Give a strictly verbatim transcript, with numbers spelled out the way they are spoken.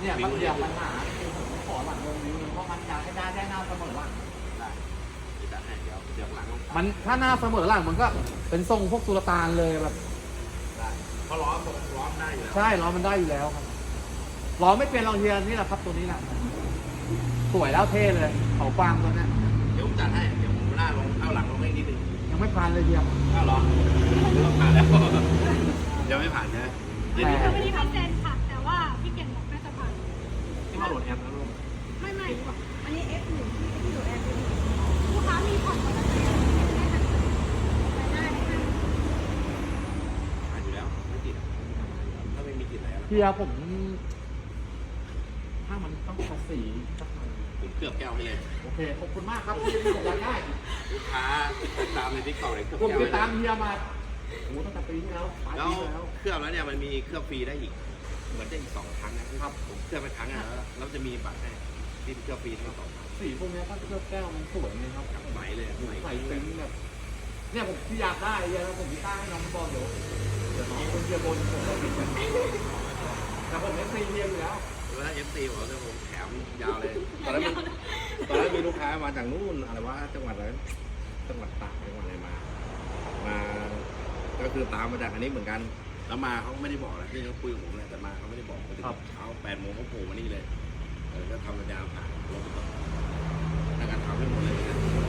เนี่ยมันเดียวปัญหาคือผมขอหลังวงนี้เพราะมันอยากให้ได้ได้หน้าเสมอหลังได้จะให้เดี๋ยวเดี๋ยวหลังมันถ้าหน้าเสมอหลังมันก็เป็นทรงพวกสุลต่านเลยแบบได้เพราะล้อมล้อมได้อยู่แล้วใช่ล้อมันได้อยู่แล้วครับล้อไม่เป็นรองเทียนนี่แหละครับตัวนี้แหละสวยแล้วเท่เลยเขาฟางตัวนี้เดี๋ยวผมจัดให้เดี๋ยวผมหน้าลงเอาหลังลงให้นิดนึงยังไม่ผ่านเลยเทียมเอาหรอผ่านแล้วยังไม่ผ่านนะอันนี้ไม่ได้เซ็นค่ะแต่ว่าพี่เก่งบอกน่าจะผ่านที่มาโหลดแอปแล้วลงไม่ไม่อันนี้ F หนึ่งที่อยู่แอปลูกค้ามีผ่อนมาแล้วได้ค่ะผ่านอยู่แล้วไม่ติดถ้าไม่มีติดอะไรเทียผมถ้ามันต้องภาษีสักหน่อยผมเกือบแก้วให้เลยโอเคขอบคุณมากครับที่ผมอยากได้ลูกค้าติดตามในทิกตอกเลยเกือบผมแก้วติดตามเฮียมาโอ้ตั้งแต่ปีที่แล้วปลายแล้วปีแล้วเคลือบแล้วเนี่ยมันมีเคลือบฟรีได้อีกเหมือนจะอีกสองครั้งนะครับผมเคลือบไปครั้งแล้วแล้วจะมีบัตรให้ที่เคลือบฟรีทั้งสองครั้งสีพวกนี้ถ้าเคลือบแก้วมันสวยเลยครับใสเลยใสใส่ซึ้งแบบเนี่ยผมที่อยากได้เฮียแล้วผมที่ตั้งให้น้องบอลเดี๋ยวเดี๋ยวน้องคนเฮียบนผมก็ติดกันแต่ผมไม่ซีเฮียอยู่แล้วแล้วเอฟซีบอกว่าผมแถมยาวเลยตอนนั้นตอนนั้นมีลูกค้ามาจากนู่นอะไรวะจังหวัดอะไรจังหวัดตากจังหวัดอะไรมามาก็คือตามมาจากอันนี้เหมือนกันแล้วมาเขาไม่ได้บอกอะไรที่เขาคุยกับผมเลยแต่มาเขาไม่ได้บอกไปถึงเช้าแปดโมงเขาโผล่มานี่เลยเออก็ทำสัญญาผ่านรถไปก่อนในการทำให้หมดเลย